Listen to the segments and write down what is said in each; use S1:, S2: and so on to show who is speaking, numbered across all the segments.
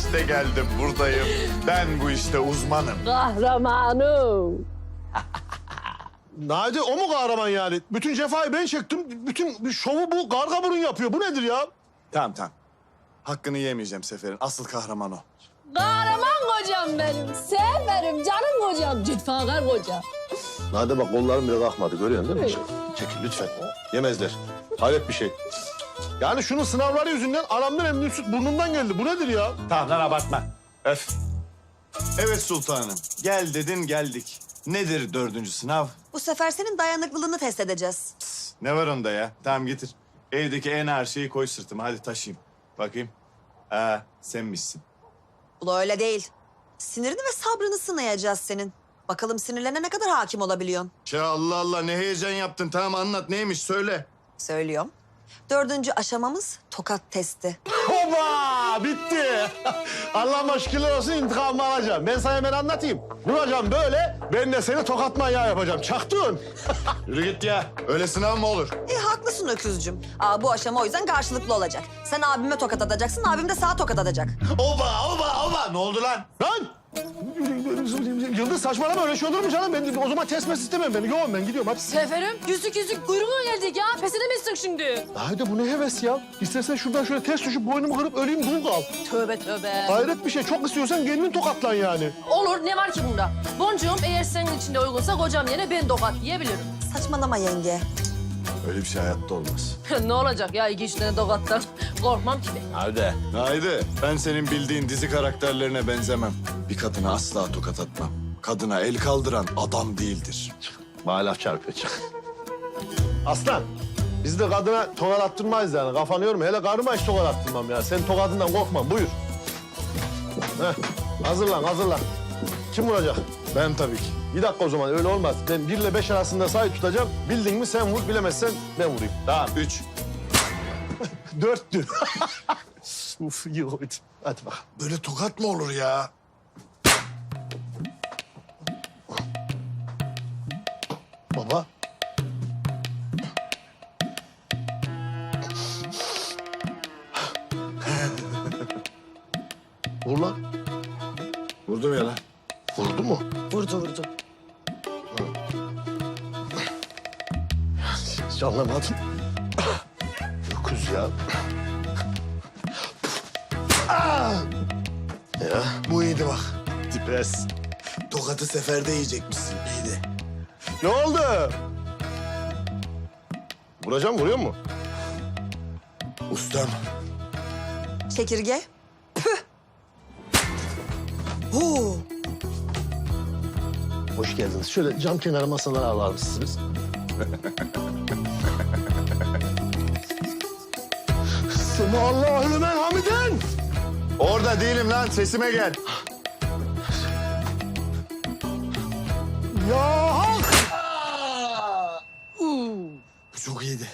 S1: İşte geldim, buradayım. Ben bu işte uzmanım.
S2: Kahramanım.
S3: Nade o mu kahraman yani? Bütün cefayı ben çektim. Bütün şovu bu karga burun yapıyor. Bu nedir ya?
S1: Tamam. Hakkını yemeyeceğim Sefer'in. Asıl kahraman o.
S2: Kahraman kocam benim. Severim canım kocam. Cefakar kocam.
S3: Nade bak kollarım bile kalkmadı. Görüyorsun değil mi? Çekil lütfen. Yemezler. Hayret bir şey. Yani şunun sınavları yüzünden aramdan emdiğim süt burnumdan geldi. Bu nedir ya?
S1: Tamam lan abartma. Öf. Evet sultanım. Gel dedin geldik. Nedir 4. sınav?
S4: Bu sefer senin dayanıklılığını test edeceğiz.
S1: Ne var onda ya? Tamam getir. Evdeki en ağır şeyi koy sırtıma. Hadi taşıyayım. Bakayım. Senmişsin.
S4: Bu da öyle değil. Sinirini ve sabrını sınayacağız senin. Bakalım sinirlerine ne kadar hakim olabiliyorsun.
S1: Ya Allah Allah ne heyecan yaptın. Tamam anlat neymiş söyle.
S4: Söylüyorum. 4. aşamamız tokat testi.
S3: Hoba! Bitti. Allah'ıma şükürler olsun intikamımı alacağım. Ben sana hemen anlatayım. Vuracağım böyle, ben de seni tokat manyağı yapacağım. Çaktın.
S1: Yürü git ya. Öyle sınav mı olur?
S4: Haklısın öküzcüm. Bu aşama o yüzden karşılıklı olacak. Sen abime tokat atacaksın, abim de sana tokat atacak.
S1: Oba! Ne oldu lan?
S3: Lan! Yıldız saçmalama öyle şey olur mu canım? Ben o zaman test istemem beni. Yoğun ben gidiyorum hadi.
S2: Seferim yüzük kuyruğuna geldik ya. Pes edemezsin şimdi.
S3: Haydi bu ne heves ya? İstersen şuradan şöyle ters düşüp boynumu kırıp öleyim dul kal.
S2: Tövbe.
S3: Hayret bir şey. Çok istiyorsan kendin tokatlan yani.
S2: Olur ne var ki bunda? Boncuğum eğer senin için de uygunsa kocam yerine ben tokat yiyebilirim.
S4: Saçmalama yenge.
S1: Öyle bir şey hayatta olmaz.
S2: Ne olacak ya 2-3 tane tokattan? Korkmam ki ben.
S1: Haydi. Ben senin bildiğin dizi karakterlerine benzemem. Bir kadına asla tokat atmam. Kadına el kaldıran adam değildir.
S3: Bana laf çarpıyor. Aslan, biz de kadına tokat attırmayız yani. Kafanı yorma. Hele karıma hiç tokat attırmam ya. Sen tokadından korkma. Buyur. Hazırlan. Kim vuracak?
S1: Ben tabii ki.
S3: Bir dakika o zaman öyle olmaz. Ben 1 ile 5 arasında sayı tutacağım. Bildin mi sen vur, bilemezsen ben vurayım.
S1: Tamam 3.
S3: 4'tü. Uf iyi oldu. Hadi bak.
S1: Böyle tokat mı olur ya?
S3: Baba. Vur lan.
S1: Vurdum ya lan.
S3: Vurdu mu?
S4: Vurdu.
S3: Hiç anlamadım. Öküz ya. Ya.
S1: Bu iyiydi bak.
S3: Tipes.
S1: Tokatı seferde yiyecekmişsin. İyiydi.
S3: Ne oldu? Vuracağım, vuruyor mu?
S1: Ustam.
S4: Çekirge. Püh. Huu.
S3: Hoş geldiniz. Şöyle cam kenarı masalara alar mısınız? Semallahü limen hamiden.
S1: Orada değilim lan. Sesime gel.
S3: Ya hak!
S1: Bu çok iyiydi.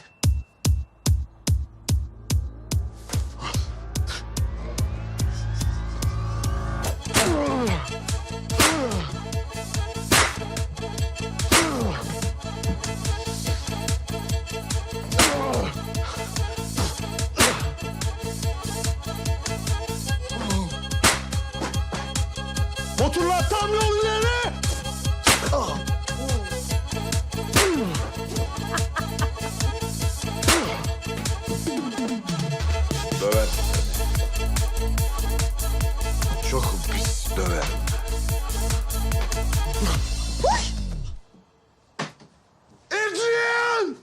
S3: Motorlar tam yol ileri.
S1: Döver. Çok pis döver.
S3: Adrian!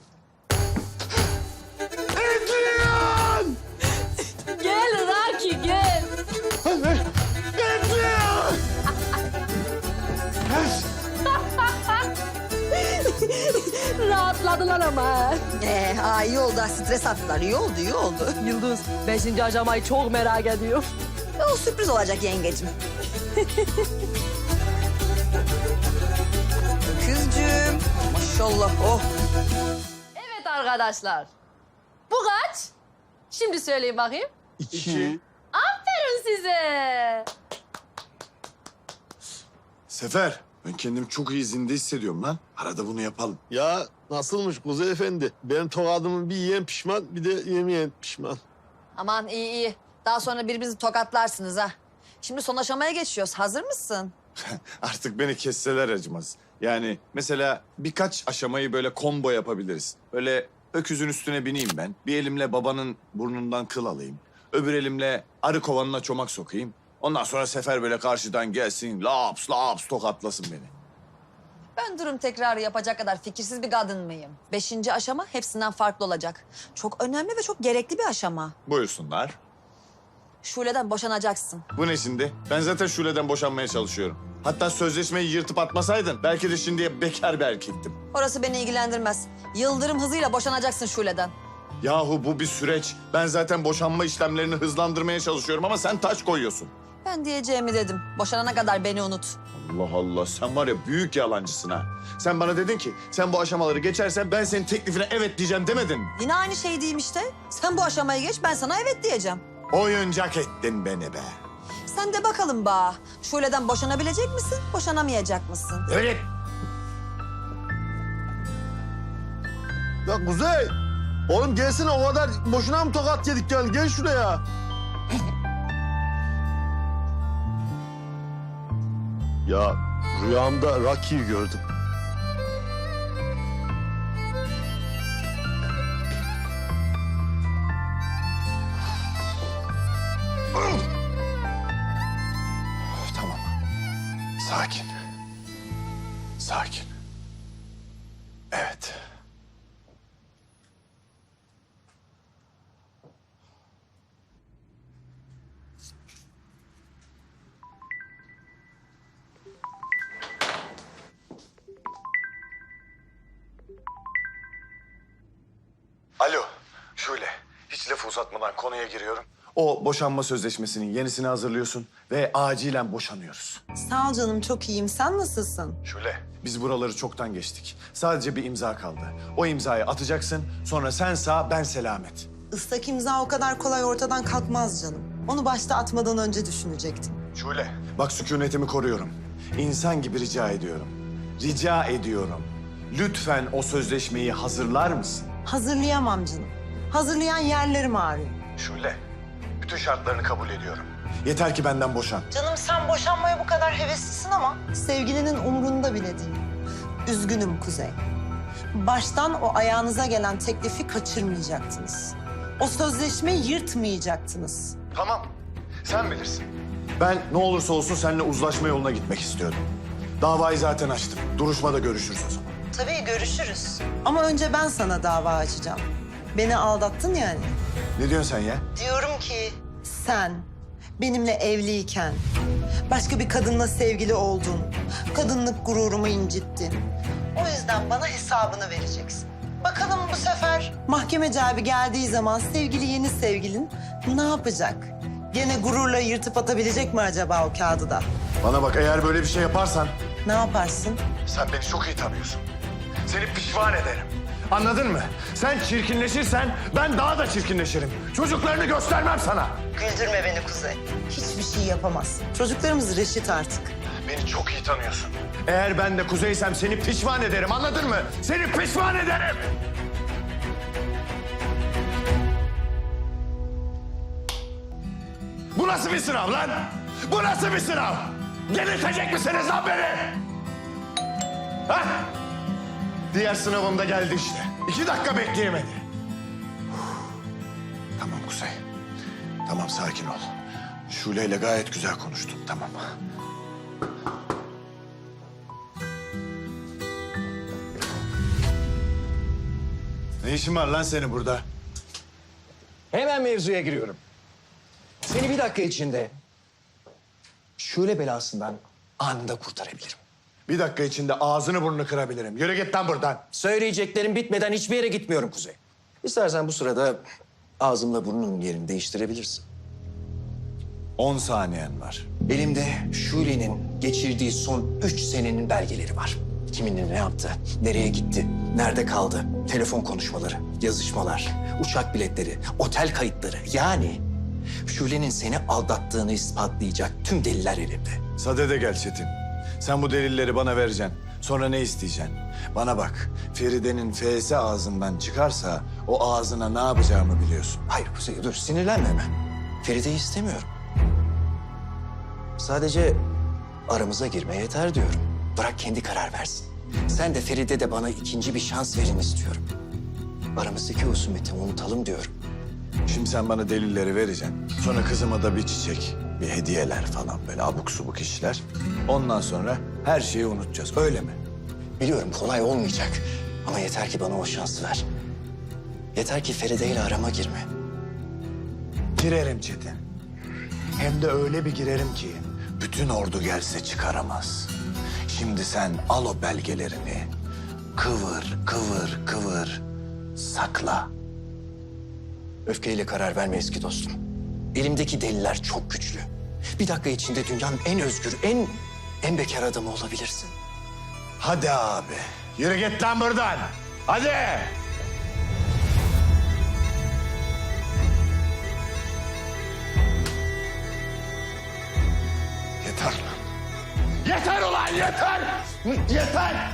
S3: Adrian!
S2: Gel Raki gel.
S3: Adrian!
S2: Rahatladılar ama.
S4: İyi oldu. Stres attılar. İyi oldu.
S2: Yıldız 5. aşamayı çok merak ediyorum.
S4: O sürpriz olacak yengecim. Kızcığım. Maşallah. Oh.
S2: Evet arkadaşlar. Bu kaç? Şimdi söyleyin bakayım.
S3: 2.
S2: Aferin size.
S1: Sefer. Ben kendimi çok iyi zinde hissediyorum lan. Arada bunu yapalım.
S3: Ya nasılmış Kuzey Efendi? Benim tokadımı bir yiyen pişman, bir de yemeyen pişman.
S4: Aman iyi. Daha sonra birbirinizi tokatlarsınız ha. Şimdi son aşamaya geçiyoruz. Hazır mısın?
S1: Artık beni kesseler acımaz. Yani mesela birkaç aşamayı böyle combo yapabiliriz. Böyle öküzün üstüne bineyim ben. Bir elimle babanın burnundan kıl alayım. Öbür elimle arı kovanına çomak sokayım. Ondan sonra Sefer böyle karşıdan gelsin, laps laps tokatlasın beni.
S4: Ben durum tekrarı yapacak kadar fikirsiz bir kadın mıyım? 5. aşama hepsinden farklı olacak. Çok önemli ve çok gerekli bir aşama.
S1: Buyursunlar.
S4: Şule'den boşanacaksın.
S1: Bu ne şimdi? Ben zaten Şule'den boşanmaya çalışıyorum. Hatta sözleşmeyi yırtıp atmasaydın belki de şimdiye bekar bir erkektim.
S4: Orası beni ilgilendirmez. Yıldırım hızıyla boşanacaksın Şule'den.
S1: Yahu bu bir süreç. Ben zaten boşanma işlemlerini hızlandırmaya çalışıyorum ama sen taş koyuyorsun.
S4: Ben diyeceğimi dedim. Boşanana kadar beni unut.
S1: Allah Allah, sen var ya büyük yalancısın ha. Sen bana dedin ki sen bu aşamaları geçersen ben senin teklifine evet diyeceğim demedin mi?
S4: Yine aynı şey diyeyim işte. Sen bu aşamayı geç, ben sana evet diyeceğim.
S1: Oyuncak ettin beni be.
S4: Sen de bakalım ba. Şule'den boşanabilecek misin, boşanamayacak mısın?
S1: Öyle.
S3: Ya Kuzey, oğlum gelsene o kadar boşuna mı tokat yedik gel şuraya. Ya rüyamda Rocky'yi gördüm.
S1: Tamam. Sakin. Sakin. Evet. Alo, şöyle. Hiç lafı uzatmadan konuya giriyorum. O boşanma sözleşmesinin yenisini hazırlıyorsun ve acilen boşanıyoruz.
S5: Sağ ol canım, çok iyiyim. Sen nasılsın?
S1: Şöyle. Biz buraları çoktan geçtik. Sadece bir imza kaldı. O imzayı atacaksın, sonra sen sağ, ben selamet.
S5: Islak imza o kadar kolay ortadan kalkmaz canım. Onu başta atmadan önce düşünecektim.
S1: Şöyle. Bak sükunetimi koruyorum. İnsan gibi rica ediyorum. Rica ediyorum. Lütfen o sözleşmeyi hazırlar mısın?
S5: Hazırlayamam canım. Hazırlayan yerlerim ağrıyor.
S1: Şöyle. Bütün şartlarını kabul ediyorum. Yeter ki benden boşan.
S5: Canım sen boşanmaya bu kadar heveslisin ama sevgilinin umrunda bile değil. Üzgünüm Kuzey. Baştan o ayağınıza gelen teklifi kaçırmayacaktınız. O sözleşmeyi yırtmayacaktınız.
S1: Tamam. Sen bilirsin. Ben ne olursa olsun seninle uzlaşma yoluna gitmek istiyorum. Davayı zaten açtım. Duruşmada görüşürüz o zaman.
S5: Tabii görüşürüz. Ama önce ben sana dava açacağım. Beni aldattın yani.
S1: Ne diyorsun sen ya?
S5: Diyorum ki sen benimle evliyken başka bir kadınla sevgili oldun. Kadınlık gururumu incittin. O yüzden bana hesabını vereceksin. Bakalım bu sefer mahkemeci abi geldiği zaman sevgili yeni sevgilin ne yapacak? Gene gururla yırtıp atabilecek mi acaba o kağıdı da?
S1: Bana bak, eğer böyle bir şey yaparsan
S5: Ne yaparsın?
S1: sen beni çok iyi tanıyorsun. Seni pişman ederim. Anladın mı? Sen çirkinleşirsen ben daha da çirkinleşirim. Çocuklarını göstermem sana.
S5: Güldürme beni Kuzey. Hiçbir şey yapamazsın. Çocuklarımız reşit artık.
S1: Beni çok iyi tanıyorsun. Eğer ben de Kuzey'sem seni pişman ederim, anladın mı? Seni pişman ederim. Bu nasıl bir sınav lan? Bu nasıl bir sınav? Delirtecek misiniz lan beni? Ha? Diğer sınavım da geldi işte. 2 dakika bekleyemedi. Tamam Kuzey. Tamam, sakin ol. Şule ile gayet güzel konuştum, tamam. Ne işin var lan senin burada?
S6: Hemen mevzuya giriyorum. Seni bir dakika içinde şöyle belasından anında kurtarabilirim.
S1: Bir dakika içinde ağzını burnunu kırabilirim. Yürü git lan buradan.
S6: Söyleyeceklerim bitmeden hiçbir yere gitmiyorum Kuzey. İstersen bu sırada ağzımla burnunun yerini değiştirebilirsin.
S1: 10 saniyen var.
S6: Elimde Şule'nin geçirdiği son 3 senenin belgeleri var. Kiminle ne yaptı, nereye gitti, nerede kaldı, telefon konuşmaları, yazışmalar, uçak biletleri, otel kayıtları. Yani Şule'nin seni aldattığını ispatlayacak tüm deliller elimde.
S1: Sade de gel Çetin. Sen bu delilleri bana vereceksin. Sonra ne isteyeceksin? Bana bak, Feride'nin F'si ağzından çıkarsa o ağzına ne yapacağımı biliyorsun.
S6: Hayır Kuzey dur sinirlenme hemen. Feride'yi istemiyorum. Sadece aramıza girme yeter diyorum. Bırak kendi karar versin. Sen de Feride de bana ikinci bir şans verin istiyorum. Aramızdaki husumeti unutalım diyorum.
S1: Şimdi sen bana delilleri vereceksin. Sonra kızıma da bir çiçek, bir hediyeler falan böyle abuk subuk işler. Ondan sonra her şeyi unutacağız. Öyle mi?
S6: Biliyorum kolay olmayacak ama yeter ki bana o şansı ver. Yeter ki Feride ile arama girme.
S1: Girerim Çetin. Hem de öyle bir girerim ki bütün ordu gelse çıkaramaz. Şimdi sen al o belgelerini. Kıvır, kıvır, kıvır. Sakla.
S6: Öfkeyle karar verme eski dostum. Elimdeki deliller çok güçlü. Bir dakika içinde dünyanın en özgür, en bekar adamı olabilirsin.
S1: Hadi abi. Yürü git lan buradan. Hadi. Yeter lan. Yeter ulan yeter. Yeter.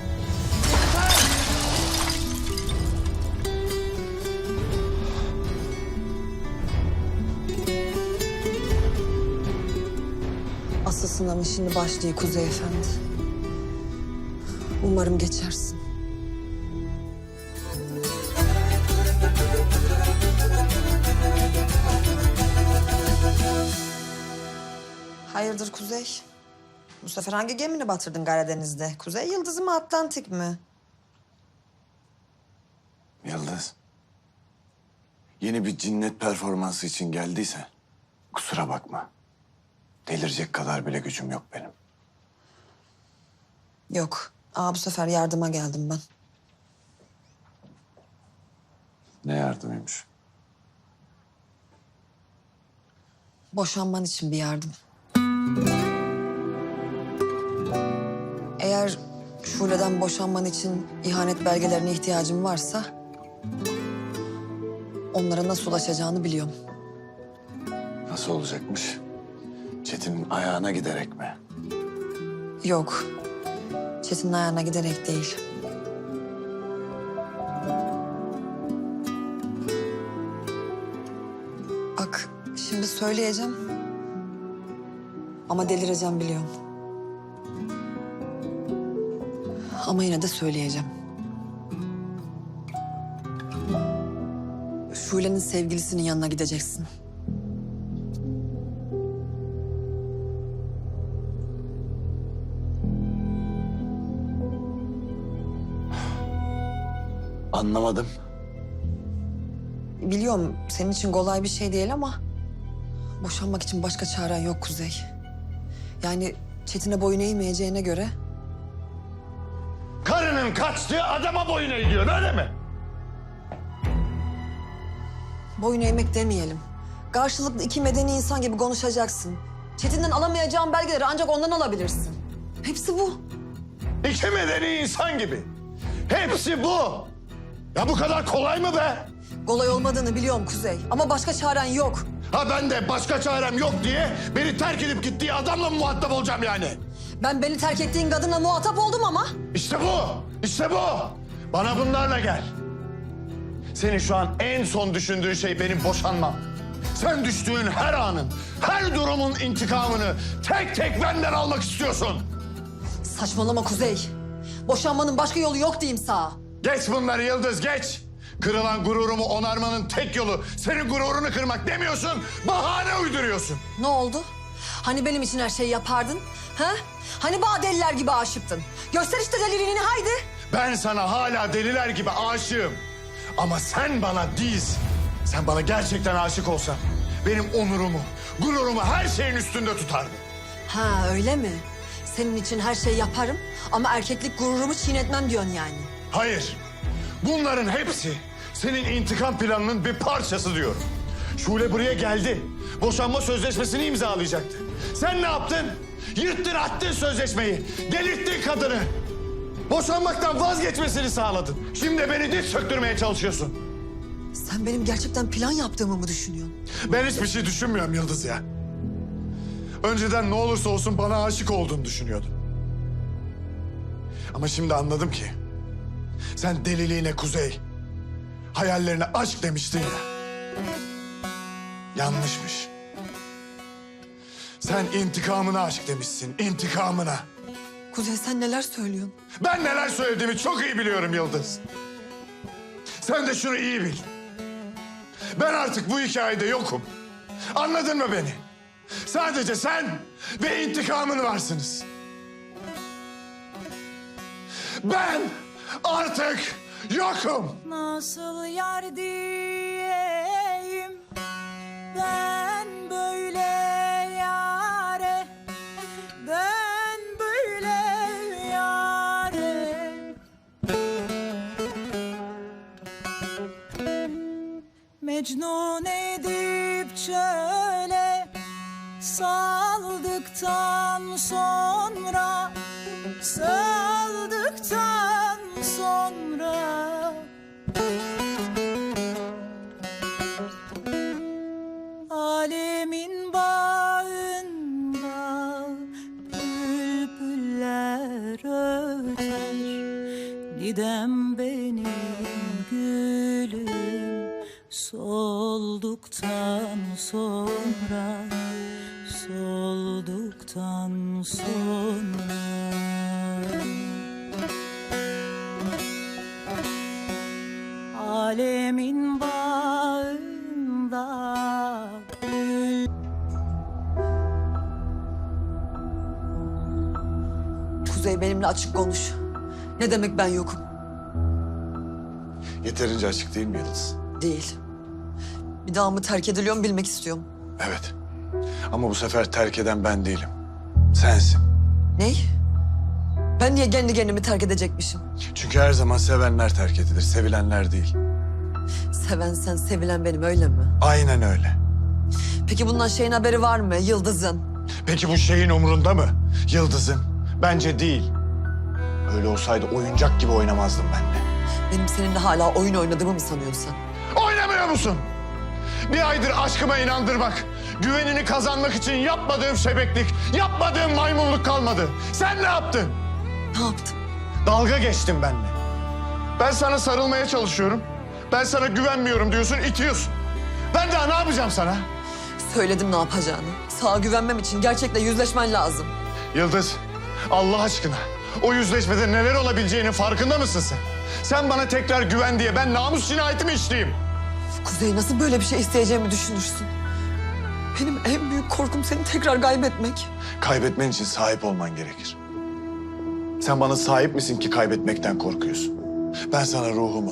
S4: Asıl sınavın şimdi başlıyor Kuzey Efendi. Umarım geçersin. Hayırdır Kuzey? Bu sefer hangi gemini batırdın Karadeniz'de? Kuzey Yıldızı mı, Atlantik mi?
S1: Yıldız. Yeni bir cinnet performansı için geldiyse kusura bakma. Delirecek kadar bile gücüm yok benim.
S4: Yok. Bu sefer yardıma geldim ben.
S1: Ne yardımıymış?
S4: Boşanman için bir yardım. Eğer Şule'den boşanman için ihanet belgelerine ihtiyacın varsa... onlara nasıl ulaşacağını biliyorum.
S1: Nasıl olacakmış? Çetin'in ayağına giderek mi?
S4: Yok. Çetin'in ayağına giderek değil. Bak şimdi söyleyeceğim. Ama delireceğim biliyorum. Ama yine de söyleyeceğim. Şule'nin sevgilisinin yanına gideceksin.
S1: Anlamadım.
S4: Biliyorum senin için kolay bir şey değil ama... boşanmak için başka çaren yok Kuzey. Yani Çetin'e boyun eğmeyeceğine göre...
S1: Karının kaçtığı adama boyun eğiyorsun öyle mi?
S4: boyun eğmek demeyelim. Karşılıklı iki medeni insan gibi konuşacaksın. Çetin'den alamayacağın belgeleri ancak ondan alabilirsin. Hepsi bu.
S1: İki medeni insan gibi. Hepsi bu. Ya bu kadar kolay mı be?
S4: Kolay olmadığını biliyorum Kuzey. Ama başka çaren yok.
S1: Ha ben de başka çarem yok diye beni terk edip gittiği adamla mı muhatap olacağım yani?
S4: Ben beni terk ettiğin kadınla muhatap oldum ama...
S1: İşte bu, işte bu. Bana bunlarla gel. Senin şu an en son düşündüğün şey benim boşanmam. Sen düştüğün her anın, her durumun intikamını tek tek benden almak istiyorsun.
S4: Saçmalama Kuzey. Boşanmanın başka yolu yok diyeyim sana.
S1: Geç bunları Yıldız, geç. Kırılan gururumu onarmanın tek yolu senin gururunu kırmak demiyorsun, bahane uyduruyorsun.
S4: Ne oldu? Hani benim için her şeyi yapardın? Ha? Hani bana deliler gibi aşıktın? Göster işte deliliğini haydi.
S1: Ben sana hala deliler gibi aşığım. Ama sen bana değilsin. Sen bana gerçekten aşık olsan benim onurumu, gururumu her şeyin üstünde tutardın.
S4: Ha öyle mi? Senin için her şeyi yaparım ama erkeklik gururumu çiğnetmem diyorsun yani.
S1: Hayır. Bunların hepsi senin intikam planının bir parçası diyorum. Şule buraya geldi. Boşanma sözleşmesini imzalayacaktı. Sen ne yaptın? Yırttın attın sözleşmeyi. Delirttin kadını. Boşanmaktan vazgeçmesini sağladın. Şimdi beni diz söktürmeye çalışıyorsun.
S4: Sen benim gerçekten plan yaptığımı mı düşünüyorsun?
S1: Ben hiçbir şey düşünmüyorum Yıldız ya. Önceden ne olursa olsun bana aşık olduğunu düşünüyordum. Ama şimdi anladım ki... sen deliliğine Kuzey, hayallerine aşk demiştin ya. Yanlışmış. Sen intikamına aşık demişsin, intikamına.
S4: Kuzey sen neler söylüyorsun?
S1: Ben neler söylediğimi çok iyi biliyorum Yıldız. Sen de şunu iyi bil. Ben artık bu hikayede yokum. Anladın mı beni? Sadece sen ve intikamın varsınız. Ben artık yokum.
S7: Nasıl yar diyeyim ben böyle yare, ben böyle yare. Mecnun edip çöle saldıktan sonra, saldıktan sonra alemin bağında bülbüller öter. Didem benim gülüm solduktan sonra, solduktan sonra. Alemin bağında
S4: Kuzey benimle açık konuş. Ne demek ben yokum?
S1: Yeterince açık değil mi Yıldız?
S4: Değil. Bir daha mı terk ediliyorum bilmek istiyorum.
S1: Evet. Ama bu sefer terk eden ben değilim. Sensin.
S4: Ney? Ben niye kendi kendimi terk edecekmişim?
S1: Çünkü her zaman sevenler terk edilir, sevilenler değil.
S4: Seven sen, sevilen benim öyle mi?
S1: Aynen öyle.
S4: Peki bundan şeyin haberi var mı? Yıldız'ın.
S1: Peki bu şeyin umurunda mı? Yıldız'ın? Bence değil. Öyle olsaydı oyuncak gibi oynamazdım benimle.
S4: Benim seninle hala oyun oynadığımı mı sanıyorsun sen?
S1: Oynamıyor musun? Bir aydır aşkıma inandırmak, güvenini kazanmak için yapmadığım şebeklik, yapmadığım maymunluk kalmadı. Sen ne yaptın?
S4: Ne yaptım?
S1: Dalga geçtin benimle. Ben sana sarılmaya çalışıyorum. Ben sana güvenmiyorum diyorsun, itiyorsun. Ben daha ne yapacağım sana?
S4: Söyledim ne yapacağını. Sağa güvenmem için gerçekle yüzleşmen lazım.
S1: Yıldız, Allah aşkına o yüzleşmede neler olabileceğinin farkında mısın sen? Sen bana tekrar güven diye ben namus cinayeti mi işleyeyim?
S4: Kuzey nasıl böyle bir şey isteyeceğimi düşünürsün? Benim en büyük korkum seni tekrar kaybetmek.
S1: Kaybetmen için sahip olman gerekir. Sen bana sahip misin ki kaybetmekten korkuyorsun? Ben sana ruhumu,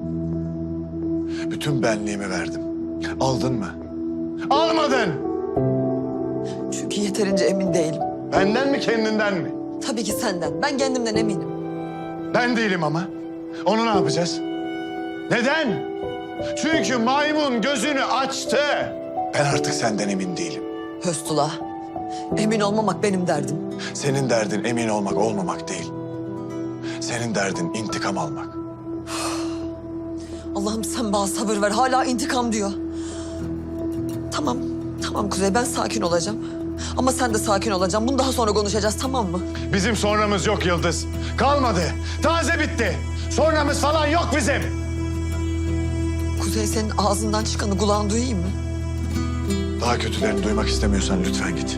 S1: bütün benliğimi verdim. Aldın mı? Almadın!
S4: Çünkü yeterince emin değilim.
S1: Benden mi kendinden mi?
S4: Tabii ki senden. Ben kendimden eminim.
S1: Ben değilim ama. Onu ne yapacağız? Neden? Çünkü maymun gözünü açtı. Ben artık senden emin değilim.
S4: Höstula. Emin olmamak benim derdim.
S1: Senin derdin emin olmak olmamak değil. Senin derdin intikam almak.
S4: Allah'ım sen bana sabır ver. Hala intikam diyor. Tamam. Tamam Kuzey ben sakin olacağım. Ama sen de sakin olacaksın. Bunu daha sonra konuşacağız tamam mı?
S1: Bizim sonramız yok Yıldız. Kalmadı. Taze bitti. Sonramız falan yok bizim.
S4: Kuzey senin ağzından çıkanı kulağın duyayım mı?
S1: Daha kötülerini duymak istemiyorsan lütfen git.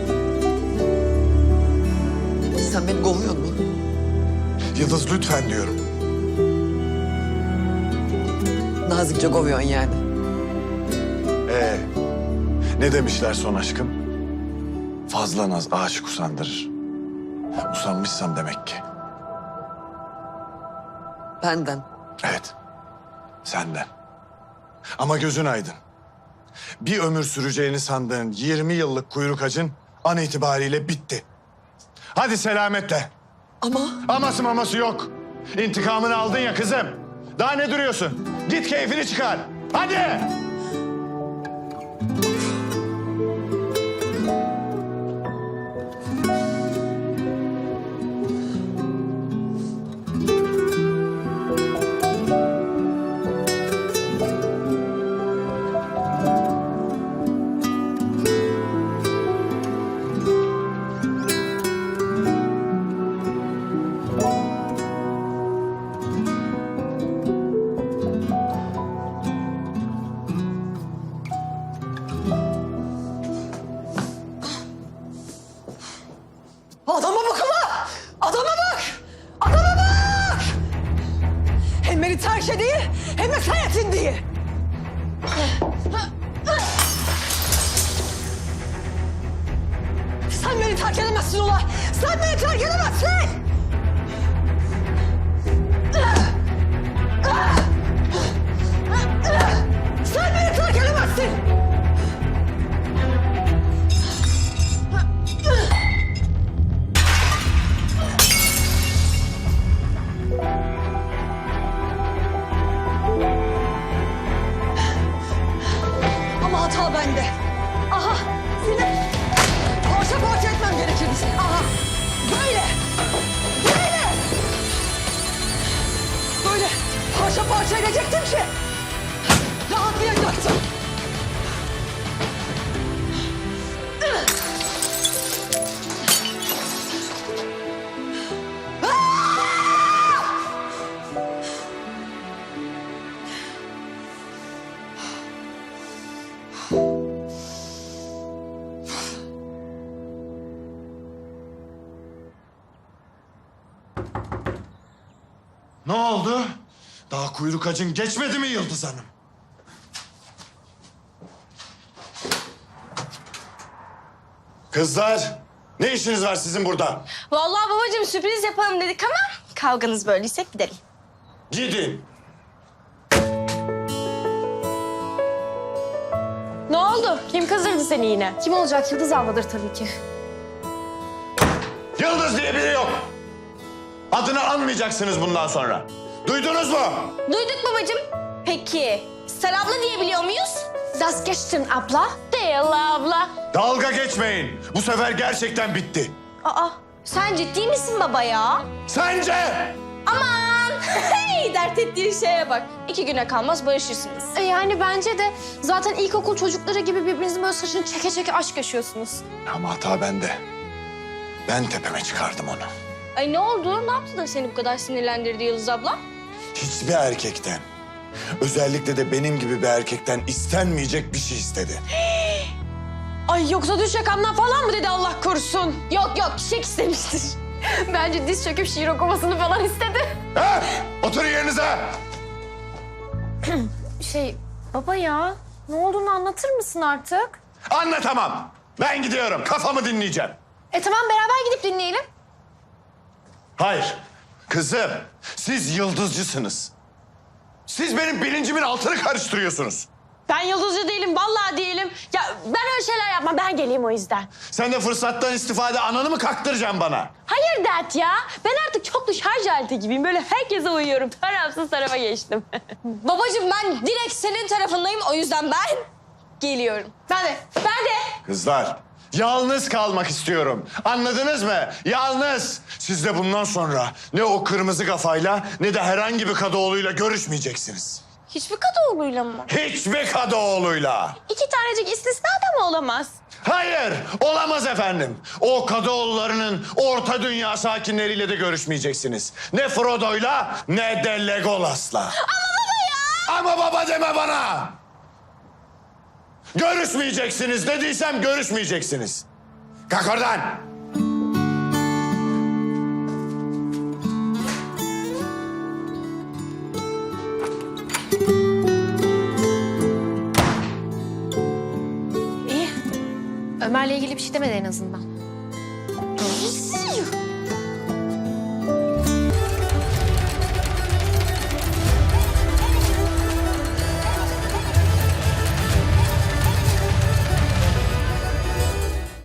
S4: Sen beni kovuyor musun?
S1: Yıldız lütfen diyorum.
S4: Nazikçe kovuyorsun yani.
S1: Ne demişler son aşkım? Fazla naz aşık usandırır. Usanmışsam demek ki.
S4: Benden.
S1: Evet. Senden. Ama gözün aydın. Bir ömür süreceğini sandığın 20 yıllık kuyruk acın an itibariyle bitti. Hadi selametle.
S4: Ama
S1: Aması maması yok. İntikamını aldın ya kızım. Daha ne duruyorsun? Git keyfini çıkar. Hadi.
S4: diye. Sen beni terk edemezsin Ula. Sen beni terk edemezsin. Sen beni terk edemezsin. Ama hata bende. Aha, seni parça parça etmem gerekirdi seni. Aha, böyle, böyle. Böyle parça parça edecektim ki rahatlayacaktım.
S1: Ne oldu? Daha kuyruk acın geçmedi mi Yıldız Hanım? Kızlar, ne işiniz var sizin burada?
S8: Vallahi babacığım sürpriz yapalım dedik ama kavganız böyleyse gidelim.
S1: Gidin.
S8: Ne oldu? Kim kızdırdı seni yine? Kim olacak? Yıldız abladır tabii ki.
S1: Yıldız diye biri yok. Adını anmayacaksınız bundan sonra. Duydunuz mu?
S8: Duyduk babacığım. Peki sen abla diyebiliyor muyuz? Das geçtin abla. Değil abla.
S1: Dalga geçmeyin. Bu sefer gerçekten bitti.
S8: Aa sen ciddi misin baba ya?
S1: Sence?
S8: Aman! Hey, dert ettiğin şeye bak. 2 güne kalmaz barışırsınız. Yani bence de zaten ilkokul çocukları gibi birbirinizin böyle saçını çeke çeke aşk yaşıyorsunuz.
S1: Ama hata bende. Ben tepeme çıkardım onu.
S8: Ay ne oldu? Ne yaptı da seni bu kadar sinirlendirdi Yıldız abla?
S1: Hiçbir erkekten, özellikle de benim gibi bir erkekten istenmeyecek bir şey istedi.
S8: Ay yoksa düş yakamdan falan mı dedi Allah korusun? Yok yok çiçek istemiştir. Bence diz çöküp şiir okumasını falan istedi.
S1: Ha? Oturun yerinize.
S8: Baba ya ne olduğunu anlatır mısın artık?
S1: Anlatamam. Ben gidiyorum. Kafamı dinleyeceğim.
S8: Tamam beraber gidip dinleyelim.
S1: Hayır. Kızım, siz yıldızcısınız. Siz benim bilincimin altını karıştırıyorsunuz.
S8: Ben yıldızcı değilim vallahi değilim. Ya ben öyle şeyler yapmam ben geleyim o yüzden.
S1: Sen de fırsattan istifade ananı mı kaktıracaksın bana?
S8: Hayır dert ya. Ben artık çok şarj aleti gibiyim. Böyle herkese uyuyorum. Tarafsız tarafa geçtim. Babacığım ben direkt senin tarafındayım. O yüzden ben geliyorum. Ben de.
S1: Kızlar, yalnız kalmak istiyorum. Anladınız mı? Yalnız. Siz de bundan sonra ne o kırmızı kafayla ne de herhangi bir Kadıoğlu'yla görüşmeyeceksiniz.
S8: Hiçbir Kadıoğlu'yla mı?
S1: Hiçbir Kadıoğlu'yla.
S8: 2 tanecik istisna da mı olamaz?
S1: Hayır, olamaz efendim. O Kadıoğullarının orta dünya sakinleriyle de görüşmeyeceksiniz. Ne Frodo'yla ne de Legolas'la. Ama baba ya! Ama baba deme bana! Görüşmeyeceksiniz dediysem görüşmeyeceksiniz. Kalk oradan!
S8: İyi. Ömer'le ilgili bir şey demedi en azından.